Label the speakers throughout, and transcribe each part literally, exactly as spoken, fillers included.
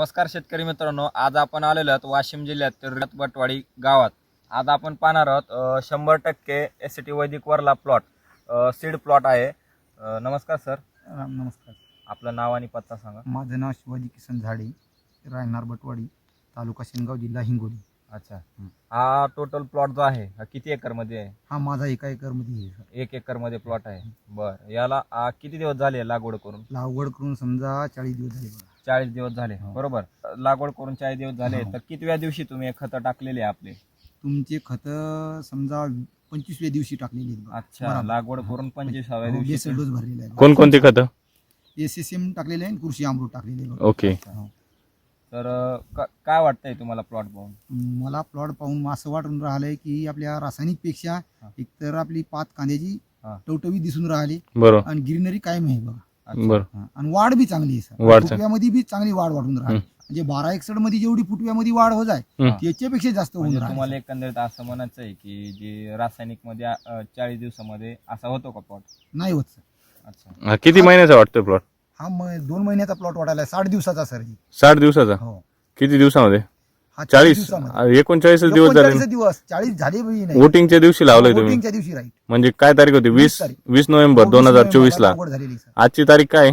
Speaker 1: नमस्कार शेतकरी मित्रांनो, आज आपण आलेलो आहोत वाशिम जिल्ह्यातील रतबटवाडी गावात. आज आपण पाहणार आहोत शंभर टक्के एस टी वैदिक वरला प्लॉट सीड प्लॉट आहे. अ, नमस्कार सर.
Speaker 2: नमस्कार.
Speaker 1: आपलं नाव आणि पत्ता सांगा.
Speaker 2: माझं नाव शिवाजी किसन झाडे, राहणार बटवाडी, तालुका शेनगाव, जिल्हा हिंगोली.
Speaker 1: अच्छा, हा टोटल प्लॉट जो आहे हा किती एकर मध्ये आहे?
Speaker 2: हा माझा एका एकर मध्ये आहे सर.
Speaker 1: एक एकर मध्ये प्लॉट आहे. बर, याला आ, किती दिवस झाले लागवड करून?
Speaker 2: लागवड करून समजा चाळीस दिवस झाले बघा.
Speaker 1: चाळीस दिवस झाले. बरोबर, लागवड करून चाळीस दिवस झाले. तर कितव्या दिवशी तुम्ही खत टाकलेले आपले?
Speaker 2: तुमचे खत समजा पंचवीसव्या दिवशी टाकलेली आहेत बघा.
Speaker 1: अच्छा, लागवड करून पंचवीसाव्या दिवशी
Speaker 2: बेसल डोस भरलेला आहे.
Speaker 3: कोणकोणती खतं?
Speaker 2: एस एस एम टाकलेले आहे, कृषी अमृत टाकलेले आहे बघा.
Speaker 3: ओके.
Speaker 1: तर क- काय वाटतंय तुम्हाला प्लॉट पाहून?
Speaker 2: मला प्लॉट पाहून असं वाटून राहिलंय की आपल्या रासायनिक पेक्षा एकतर आपली पात कांद्याची
Speaker 1: हा.
Speaker 2: टवटवी दिसून राहिली
Speaker 3: बरोबर
Speaker 2: आणि ग्रीनरी कायम आहे बघा.
Speaker 3: बरोबर.
Speaker 2: हा. आणि वाढ बी चांगली आहे सर.
Speaker 3: वाढ चांगली.
Speaker 2: फुटव्यामध्ये बी चांगली वाढ वाढून राहिली. म्हणजे बारा एकसठ मध्ये जेवढी फुटव्यामध्ये वाढ होत आहे
Speaker 3: हम्म.
Speaker 2: त्याच्यापेक्षा जास्त होऊन
Speaker 1: म्हणजे
Speaker 2: राहिली.
Speaker 1: तुम्हाला एकंदरीत असं म्हणायचं आहे की जे रासायनिक मध्ये अ, चाळीस दिवसामध्ये असा होतो का प्लॉट?
Speaker 2: नाही होत सर.
Speaker 1: अच्छा,
Speaker 3: हा, किती महिन्याचा वाटतोय प्लॉट?
Speaker 2: हा म- दोन महिन्याचा प्लॉट वाढायला आहे, साठ दिवसाचा सर ही.
Speaker 3: साठ दिवसाचा?
Speaker 2: हो.
Speaker 3: किती दिवसामध्ये?
Speaker 2: हा
Speaker 3: चाळीस
Speaker 2: दिवसामध्ये.
Speaker 3: एकोणचाळीस दिवस झाले.
Speaker 2: एकोणचाळीस दिवस चाळीस झाले बी नाही.
Speaker 3: वोटिंगच्या दिवशी लावलंय तुम्ही?
Speaker 2: वोटिंगच्या दिवशी राईट.
Speaker 3: म्हणजे काय तारीख होती? वीस
Speaker 2: तारीख.
Speaker 3: वीस नोव्हेंबर दोन हजार चोवीस ला.
Speaker 2: लागवड झालेली सर.
Speaker 3: आजची तारीख काय?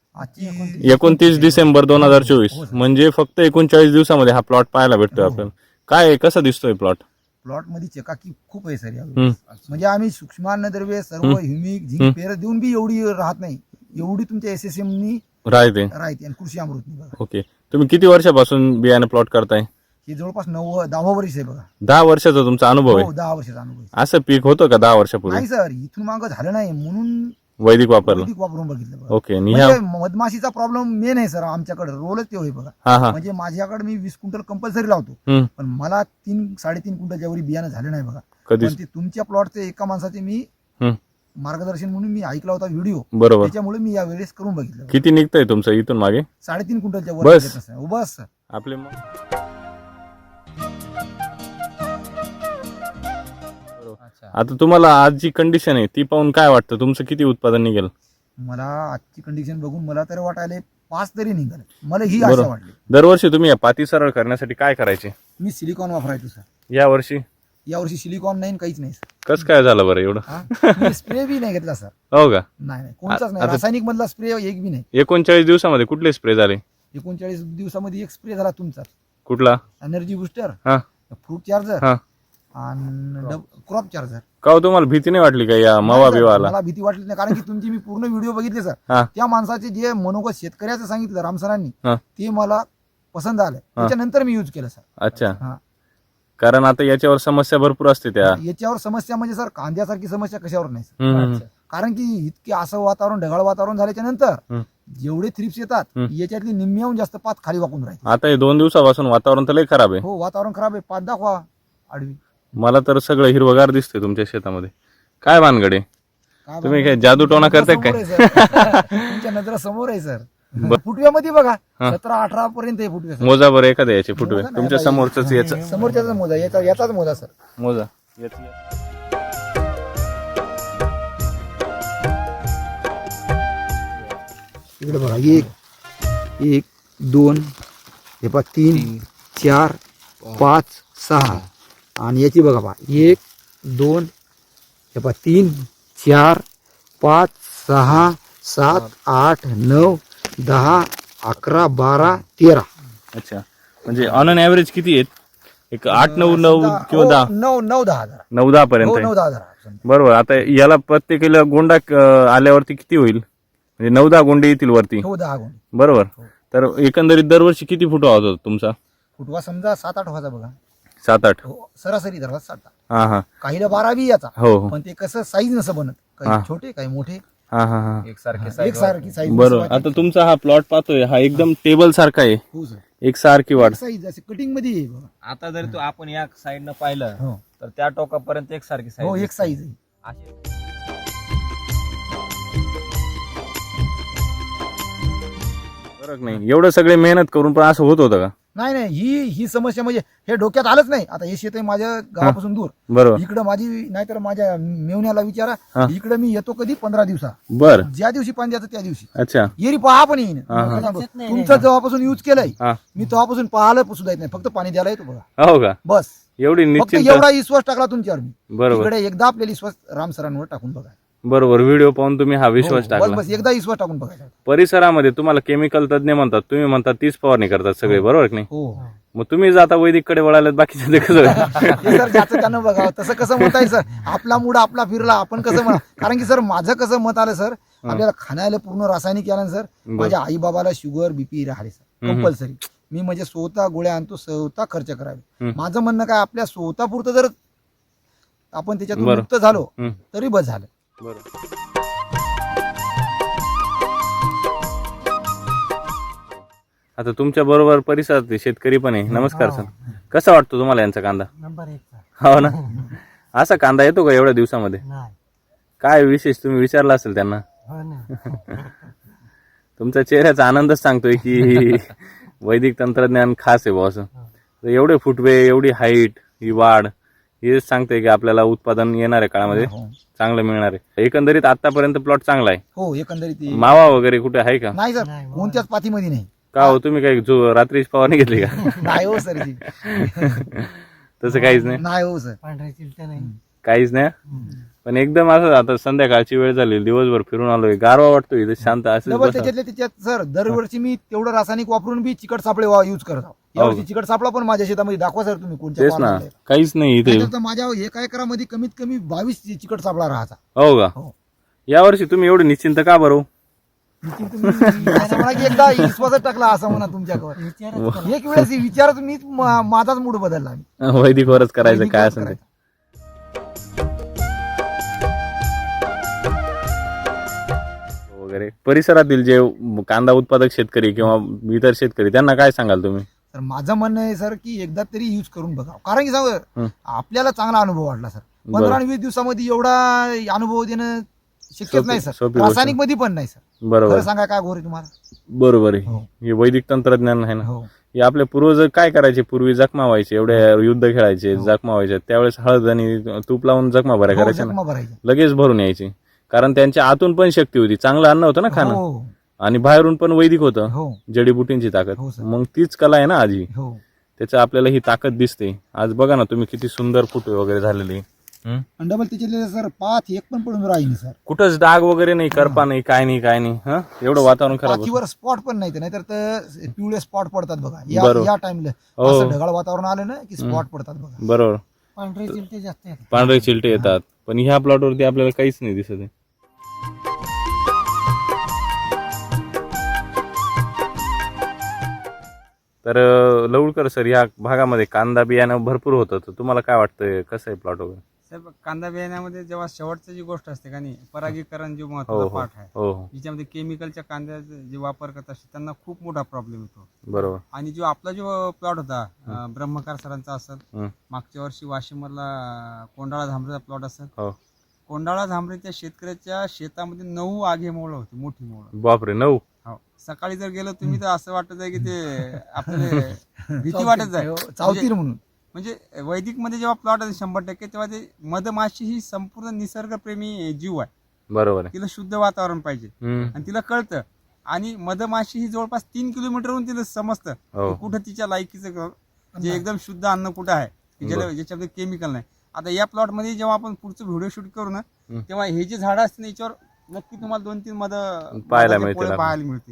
Speaker 2: आजची
Speaker 3: एकोणतीस डिसेंबर दोन हजार चोवीस.
Speaker 2: हो सर.
Speaker 3: म्हणजे फक्त एकोणचाळीस दिवसामध्ये हा प्लॉट पाहायला भेटतोय
Speaker 2: हो.
Speaker 3: आपल्याला. काय आहे, कसा दिसतोय प्लॉट?
Speaker 2: प्लॉट मध्ये चकाकी खूप आहे सर यावेळी.
Speaker 3: हम्म.
Speaker 2: म्हणजे आम्ही सूक्ष्मान्नद्रव्य सर्व
Speaker 3: हम्म.
Speaker 2: ह्युमिक
Speaker 3: हम्म.
Speaker 2: झिंक पेर देऊन बी एवढी राहत नाही, एवढी तुमच्या एस एस एम नी
Speaker 3: राहते.
Speaker 2: राहते आणि कृषी अमृत बघा.
Speaker 3: ओके. तुम्ही किती वर्षापासून बियाणे प्लॉट करताय?
Speaker 2: हे जवळपास नऊ दहा वर्ष आहे बघा.
Speaker 3: दहा वर्षाचा तुमचा अनुभव
Speaker 2: हो,
Speaker 3: आहे?
Speaker 2: दहा वर्षाचा अनुभव आहे.
Speaker 3: असं पीक होतं का दहा वर्षापूर्वी?
Speaker 2: नाही सर, इथून मागं झालं नाही म्हणून
Speaker 3: वैदिक वापरलं?
Speaker 2: वैदिक वापरून बघितलं बघा.
Speaker 3: ओके. आणि ह्या
Speaker 2: म्हणजे मधमाशीचा प्रॉब्लेम मेन आहे सर आमच्याकडे, रोलच ते होय बघा.
Speaker 3: हा हा
Speaker 2: म्हणजे माझ्याकडे मी वीस क्विंटल कंपल्सरी लावतो,
Speaker 3: हम्म.
Speaker 2: पण मला तीन साडेतीन क्विंटल ज्यावेळी बियाणं झालं नाही बघा.
Speaker 3: कधीच?
Speaker 2: पण ते तुमच्या प्लॉटचे एका माणसाचे मी
Speaker 3: हम्म.
Speaker 2: मार्गदर्शन म्हणून मी ऐकला होता व्हिडिओ,
Speaker 3: बरोबर.
Speaker 2: त्याच्यामुळे मी या वेळेस करून बघितलं.
Speaker 3: किती निघतंय तुमचं इथून मागे?
Speaker 2: साडेतीन क्विंटलच्या वर
Speaker 3: बस?
Speaker 2: निघत असेल. हो, बस सर.
Speaker 3: आपले मग
Speaker 1: अच्छा.
Speaker 3: आता तुम्हाला आज जी कंडिशन आहे ती पाहून काय वाटतं, तुमचं किती उत्पादन निघेल?
Speaker 2: मला आजची कंडिशन बघून मला तर वाटायला पाच तरी निघाल, मला ही
Speaker 3: बरोबर.
Speaker 2: आशा वाटली.
Speaker 3: दरवर्षी तुम्ही या पाती सरळ करण्यासाठी काय करायचे?
Speaker 2: मी सिलिकॉन वापरायचो सर.
Speaker 3: या वर्षी
Speaker 2: यावर्षी सिलिकॉन नाही, काहीच नाही सर.
Speaker 3: कसं काय झालं बरं एवढं?
Speaker 2: हा? मी स्प्रे बी नाही घेतला सर.
Speaker 3: हो का?
Speaker 2: नाही नाही, कोणताच नाही.
Speaker 3: आता-
Speaker 2: रासायनिक मधला स्प्रे एक बी नाही.
Speaker 3: एकोणचाळीस दिवसामध्ये कुठले स्प्रे झाले?
Speaker 2: एकोणचाळीस दिवसामध्ये एक स्प्रे झाला तुमचा,
Speaker 3: कुठला?
Speaker 2: एनर्जी बुस्टर,
Speaker 3: हा
Speaker 2: फ्रूट चार्जर
Speaker 3: हा
Speaker 2: आणि क्रॉप चार्जर.
Speaker 3: का हो, तुम्हाला भीती नाही वाटली का या मवा
Speaker 2: नाही सर,
Speaker 3: बिवाला?
Speaker 2: मला भीती वाटली नाही, कारण की तुमची मी पूर्ण व्हिडिओ बघितले सर.
Speaker 3: हा
Speaker 2: त्या माणसाचे जे मनोगत शेतकऱ्याचं सांगितलं राम सरांनी,
Speaker 3: हा.
Speaker 2: ते मला पसंत आलं. त्याच्यानंतर मी युज केलं सर.
Speaker 3: अच्छा.
Speaker 2: हा.
Speaker 3: कारण आता याच्यावर समस्या भरपूर असते त्या.
Speaker 2: याच्यावर समस्या म्हणजे सर कांद्यासारखी समस्या कशावर नाही सर.
Speaker 3: हम्म.
Speaker 2: कारण की इतके असं वातावरण ढगाळ वातावरण झाल्याच्या नंतर
Speaker 3: हम्म.
Speaker 2: जेवढे थ्रिप्स येतात
Speaker 3: हम्म.
Speaker 2: याच्यातली निम्म्याहून जास्त पात खाली वाकून राहील.
Speaker 3: आता हे दोन दिवसापासून वातावरण तर लय खराब आहे.
Speaker 2: हो, वातावरण खराब आहे. पात दाखवा आडवी.
Speaker 3: मला तर सगळं हिरवगार दिसतंय तुमच्या शेतामध्ये. काय भानगडे?
Speaker 2: काय
Speaker 3: तुम्ही
Speaker 2: बाबा,
Speaker 3: काय जादूटोणा
Speaker 2: तुमच्या
Speaker 3: करताय काय?
Speaker 2: समोर आहे सर. तुमच्या नजरा समोर आहे सर. फुटव्यामध्ये बघा
Speaker 3: हा.
Speaker 2: सतरा अठरा पर्यंत आहे फुटवे सर.
Speaker 3: मोजा बरं एखाद्या याचे फुटवे.
Speaker 2: मोजा नाही,
Speaker 3: तुमच्या
Speaker 2: आता
Speaker 3: समोरच याचा
Speaker 2: समोरच्याच मोजा, याचा याचाच मोजा सर.
Speaker 3: मोजा.
Speaker 2: इकडे बघा, एक एक दोन, हे पहा तीन चार पाच सहा, आणि याची बघा पहा एक दोन, हे पहा तीन चार पाच सहा सात आठ नऊ दहा अकरा बारा तेरा.
Speaker 3: अच्छा, म्हणजे ऑन अन ऍव्हरेज किती आहेत? एक आठ नऊ नऊ किंवा
Speaker 2: हो,
Speaker 3: दहा
Speaker 2: नऊ नऊ दहा हजार.
Speaker 3: नऊ दहा
Speaker 2: हो,
Speaker 3: पर्यंत
Speaker 2: नऊ
Speaker 3: आहे.
Speaker 2: दहा हजार.
Speaker 3: बरोबर. आता याला प्रत्येकीला गोंडा अं, आल्यावरती किती होईल? म्हणजे नऊ दहा गोंडे येतील वरती.
Speaker 2: हो, दहा गुण.
Speaker 3: बरोबर. तर एकंदरीत दरवर्षी किती फुटवा होता तुमचा?
Speaker 2: फुटवा समजा सात आठ व्हायचा बघा.
Speaker 3: सात आठ.
Speaker 2: हो, सरासरी धरला सात आठ.
Speaker 3: हा हा
Speaker 2: काहीला बारा बी याचा,
Speaker 3: हो हो
Speaker 2: पण ते कसं साईज नसं बनत,
Speaker 3: हा.
Speaker 2: काही छोटे काही मोठे,
Speaker 3: हा हा हा
Speaker 1: एक सारखे
Speaker 2: एक सारखी साईज.
Speaker 3: बरोबर. आता तुमचा हा प्लॉट पाहतोय हा एकदम टेबल सारखा आहे,
Speaker 2: हो सर.
Speaker 3: एक सारखी वाढ.
Speaker 2: साईज असे कटिंग मध्ये आहे बघा.
Speaker 1: आता जर तू आपण या साईडनं पाहिलं
Speaker 2: हो
Speaker 1: तर त्या टोकापर्यंत एक सारखी
Speaker 2: हो,
Speaker 1: साईज
Speaker 2: एक साईज आहे.
Speaker 3: फरक नाही. एवढं सगळे मेहनत करून पण असं होत होतं का?
Speaker 2: नाही नाही ही ही समस्या म्हणजे हे डोक्यात आलंच नाही. आता हे शेत आहे माझ्या गावापासून दूर,
Speaker 3: बरोबर.
Speaker 2: इकडं माझी नाहीतर माझ्या मेवण्याला
Speaker 3: हा.
Speaker 2: विचारा, इकडे मी येतो कधी पंधरा दिवसा,
Speaker 3: बर.
Speaker 2: ज्या दिवशी पाणी द्यायचं त्या दिवशी
Speaker 3: अच्छा.
Speaker 2: येरी पहा पण येईन.
Speaker 3: हा, हा.
Speaker 2: तुमचं जेव्हापासून यूज केलंय
Speaker 3: हा.
Speaker 2: मी तेव्हापासून पाहिलं सुद्धा येत नाही, फक्त पाणी द्यायला येतो बघा
Speaker 3: हो का?
Speaker 2: बस.
Speaker 3: एवढी
Speaker 2: फक्त
Speaker 3: निश्चिंत.
Speaker 2: एवढा विश्वास टाकला तुमच्यावर मी.
Speaker 3: बरोबर
Speaker 2: इकडे एकदा आपल्याला विश्वास राम सरांवर टाकून बघा.
Speaker 3: बरोबर. व्हिडिओ पाहून तुम्ही हा विश्वास
Speaker 2: हो,
Speaker 3: टाकला.
Speaker 2: बस बस एकदा विश्वास टाकून बघायचा.
Speaker 3: परिसरामध्ये तुम्हाला केमिकल तज्ञ म्हणतात, तुम्ही म्हणतात तीच फवारणी करतात सगळे, बरोबर की नाही?
Speaker 2: हो
Speaker 3: मग तुम्ही जाता वैदिककडे वळाल्यात, बाकीचे ते कसं?
Speaker 2: ते सर ज्याचं त्यानं बघावं. तसं कसं मत आहे सर, आपला मूड आपला फिरला आपण कसं म्हणा. कारण की सर माझं कसं मत आलं सर, आपल्याला खाण्याला पूर्ण रासायनिक केलं सर. माझ्या आई बाबाला शुगर बीपी राहिले सर कंपल्सरी. मी म्हणजे स्वतः गोळ्या आणतो, स्वतः खर्च करावे. माझं म्हणणं काय, आपल्या स्वतः पुरतं जर आपण त्याच्यातून
Speaker 3: बरं.
Speaker 2: मुक्त झालो
Speaker 3: हम्म.
Speaker 2: तरी बस झालं.
Speaker 3: आता तुमच्या बरोबर परिसरात शेतकरी पण आहे. नमस्कार सर, कसा वाटतो तुम्हाला यांचा कांदा?
Speaker 4: नंबर एक.
Speaker 3: हो ना. असा कांदा येतो का एवढ्या दिवसामध्ये?
Speaker 4: नाही.
Speaker 3: काय विशेष तुम्ही विचारला असेल त्यांना?
Speaker 4: हो ना.
Speaker 3: तुमच्या चेहऱ्याचा आनंदच सांगतोय की वैदिक तंत्रज्ञान खास आहे बॉस. एवढे फुटवे, एवढी हाईट, ही वाढ, हे सांगते की आपल्याला उत्पादन येणाऱ्या काळामध्ये
Speaker 2: हो.
Speaker 3: चांगलं मिळणार आहे. एकंदरीत आतापर्यंत प्लॉट चांगला आहे.
Speaker 2: हो एकंदरीत
Speaker 3: मावा वगैरे कुठे आहे का?
Speaker 2: नाही सर,
Speaker 4: नाही, हो.
Speaker 2: कोणत्याच पाथीमध्ये नाही.
Speaker 3: का हो, तुम्ही काही जो रात्री फवारणी घेतली का?
Speaker 2: नाही हो सर जी.
Speaker 3: तसं काहीच नाही.
Speaker 2: नाही हो सर.
Speaker 4: पांढऱ्या चिलट्या नाही.
Speaker 3: काहीच नाही. पण एकदम असं आता संध्याकाळची वेळ झाली, दिवसभर फिरून आलोय, गारवा वाटतोय इथे, शांत असं
Speaker 2: डबल त्याच्यातल्या त्याच्यात सर दरवर्षी मी तेवढं रासायनिक वापरून बी चिकट सापळे यूज करत आहोत. यावर्षी चिकट सापळा पण माझ्या शेतामध्ये दाखवा सर तुम्ही कोणत्या
Speaker 3: तेच ना,
Speaker 2: plot मध्ये.
Speaker 3: काहीच नाही इथे.
Speaker 2: नाहीतर तर माझ्या एका एकरामध्ये कमीत कमी बावीस चिकट सापळा राहायचा.
Speaker 3: हो का?
Speaker 2: हो.
Speaker 3: यावर्षी तुम्ही एवढे निश्चिंत का बरं?
Speaker 2: निश्चित तुम्ही असं म्हणा की एकदा विश्वासच टाकला असं म्हणा तुमच्याकडे.
Speaker 4: विचारच करा.
Speaker 2: एक वेळेस विचारच मीच मा- माझाच मूड बदलला मी.
Speaker 3: वैदिकवरच करायचं
Speaker 2: वैदिक
Speaker 3: काय
Speaker 2: वरच
Speaker 3: असेल ते.
Speaker 2: करायचं.
Speaker 3: वगैरे परिसरातील जे कांदा उत्पादक शेतकरी किंवा इतर शेतकरी, त्यांना काय सांगाल तुम्ही?
Speaker 2: तर माझं म्हणणं आहे सर की एकदा तरी यूज करून बघा. कारण की
Speaker 3: हं.
Speaker 2: सांग आपल्याला चांगला अनुभव वाटला सर. पंधरा आणि वीस दिवसामध्ये एवढा अनुभव देणं शक्यच
Speaker 3: सोपी-
Speaker 2: नाही सर.
Speaker 3: सोपी गोष्ट.
Speaker 2: रासायनिक मध्ये पण नाही सर.
Speaker 3: बरोबर
Speaker 2: खरं सांगा काय गोरे तुम्हाला.
Speaker 3: बरोबर आहे.
Speaker 2: हो.
Speaker 3: हे वैदिक तंत्रज्ञान आहे ना.
Speaker 2: हो
Speaker 3: हे आपले पूर्वज काय करायचे, पूर्वी जखमा व्हायचे, एवढे युद्ध खेळायचे,
Speaker 2: हो.
Speaker 3: जखमा व्हायचे, त्यावेळेस हळद आणि तूप लावून जखमा भऱ्या
Speaker 2: हो,
Speaker 3: करायच्या ना,
Speaker 2: जखमा भरायच्या.
Speaker 3: लगेच भरून यायची. कारण त्यांच्या आतून पण शक्ती होती, चांगलं अन्न होतं ना खाणं,
Speaker 2: हो
Speaker 3: आणि बाहेरून पण वैदिक होतं,
Speaker 2: हो
Speaker 3: जडीबुटींची ताकद.
Speaker 2: हो, सर.
Speaker 3: मग तीच कला आहे ना आजी,
Speaker 2: हो.
Speaker 3: त्याचं आपल्याला ही ताकद दिसते. आज बघा ना तुम्ही, किती सुंदर फुटवे वगैरे झालेले. हं?
Speaker 2: आणि डबल त्याच्यातले सर पाथ एक पण पडून राहील सर.
Speaker 3: कुठंच डाग वगैरे नाही, करपा नाही, काय नाही काय नाही. हं? एवढं वातावरण खराब होतं.
Speaker 2: पाथीवर स्पॉट पण नाही, नाहीतर तर पिवळे स्पॉट पडतात बघा या
Speaker 3: बरोबर.
Speaker 2: या टाइमला.
Speaker 3: हो.
Speaker 2: असं ढगाळ वातावरण आलं ना की स्पॉट पडतात बघा.
Speaker 3: बरोबर.
Speaker 4: पांढरे चिलटे जास्त आहेत.
Speaker 3: पांढरे चिलटे येतात, पण ह्या प्लॉटवरती आपल्याला काहीच नाही दिसत आहे. तर अं, लवकर सर, या भागामध्ये कांदा बियाणं भरपूर होतं, तर तुम्हाला काय वाटतंय, कसं आहे प्लॉट वगैरे?
Speaker 5: साहेब, कांदा बियाण्यामध्ये जेव्हा शेवटची जी गोष्ट असते का नाही, परागीकरण जो
Speaker 3: हो
Speaker 5: महत्वाचा
Speaker 3: हो
Speaker 5: पाठ आहे,
Speaker 3: हो हो
Speaker 5: ज्याच्यामध्ये केमिकलच्या कांद्याचे जे वापर करत असते त्यांना खूप मोठा प्रॉब्लेम येतो.
Speaker 3: बरोबर.
Speaker 5: आणि जो आपला जो प्लॉट होता अं, ब्रह्मकार सरांचा असेल,
Speaker 3: हं.
Speaker 5: मागच्या वर्षी वाशिममधला कोंडाळा झांबरेचा प्लॉट असेल,
Speaker 3: हो.
Speaker 5: कोंडाळा झांबरेच्या शेतकऱ्याच्या शेतामध्ये नऊ आगे मोळ होती, मोठी मोळ.
Speaker 3: बापरे, नऊ?
Speaker 5: हो, सकाळी जर गेलो तुम्ही तर असं वाटत आहे की ते आपल्याला भीती वाटत आहे.
Speaker 2: चावतील म्हणून.
Speaker 5: म्हणजे वैदिक मध्ये जेव्हा प्लॉट आहे शंभर टक्के, तेव्हा ते मधमाशी ही संपूर्ण निसर्गप्रेमी जीव आहे.
Speaker 3: बरोबर आहे.
Speaker 5: तिला शुद्ध वातावरण पाहिजे
Speaker 3: हं.
Speaker 5: आणि तिला कळतं. आणि मधमाशी ही जवळपास तीन किलोमीटरवरून तिला समजतं
Speaker 3: हो.
Speaker 5: की कुठं तिच्या लायकीचं ग- जे एकदम शुद्ध अन्न कुठं आहे की ज्याला
Speaker 3: बरं.
Speaker 5: ज्याच्यामध्ये केमिकल नाही. आता या प्लॉट मध्ये जेव्हा आपण पुढचं व्हिडिओ शूट करू ना,
Speaker 3: हं.
Speaker 5: तेव्हा हे जे झाडं असतील ना, याच्यावर नक्की तुम्हाला दोन तीन मध
Speaker 3: पाहायला
Speaker 5: मधाचे
Speaker 3: मिळतील
Speaker 5: पोळे
Speaker 3: आपल्याला.
Speaker 5: पाहायला मिळतील.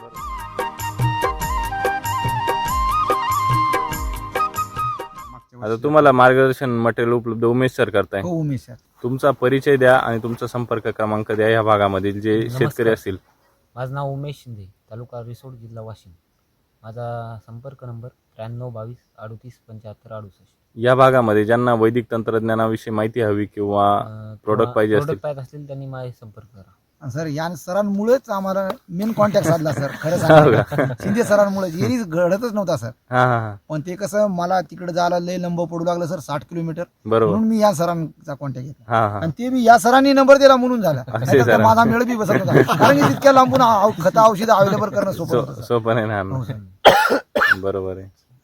Speaker 5: मागच्या
Speaker 3: आता
Speaker 5: वर्षी-
Speaker 3: तुम्हाला मार्गदर्शन मटेरियल उपलब्ध उमेश सर करताय.
Speaker 2: हो उमेश सर.
Speaker 3: तुमचा परिचय द्या आणि तुमचा संपर्क क्रमांक द्या या भागामधील जे शेतकरी असतील.
Speaker 6: माझं नाव उमेश शिंदे, तालुका रिसोड, जिल्हा वाशिम. माझा संपर्क नंबर त्र्याण्णव बावीस अडतीस पंच्याहत्तर अडुसष्ट.
Speaker 3: या भागामध्ये ज्यांना वैदिक तंत्रज्ञानाविषयी माहिती हवी किंवा
Speaker 6: अं,
Speaker 3: product
Speaker 6: किंवा
Speaker 3: पाहिजे असतील.
Speaker 6: product पाहिजे असतील त्यांनी माझे संपर्क करा.
Speaker 2: सर या सरांमुळेच आम्हाला मेन कॉन्टॅक्ट साधला सर. खरं सांगा शिंदे सरांमुळे एरी घडतच नव्हता सर.
Speaker 3: हा हा हा
Speaker 2: पण ते कसं मला तिकडे जायला लय लंब पडू लागलं सर, साठ किलोमीटर.
Speaker 3: बरोबर.
Speaker 2: म्हणून मी या सरांचा कॉन्टॅक्ट घेतला.
Speaker 3: हा हा
Speaker 2: आणि ते बी या सरांनी नंबर दिला म्हणून झाला. नाहीतर
Speaker 3: सर.
Speaker 2: तर माझा मेळ बी बसत होता. कारण की तितक्या लांबून खत औषध अवेलेबल करणं सोपं होतं
Speaker 3: सो-
Speaker 2: सर.
Speaker 3: सोपं नाही ना
Speaker 2: हो
Speaker 3: आणणं.
Speaker 2: सर.
Speaker 3: बरोबर आहे.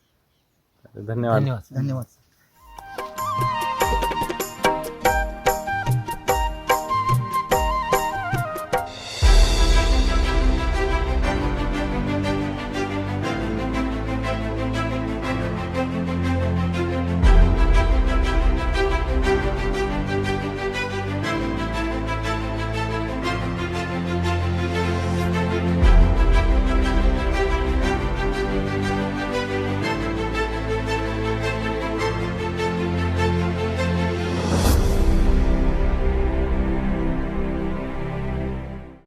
Speaker 3: धन्यवाद
Speaker 6: धन्यवाद
Speaker 2: धन्यवाद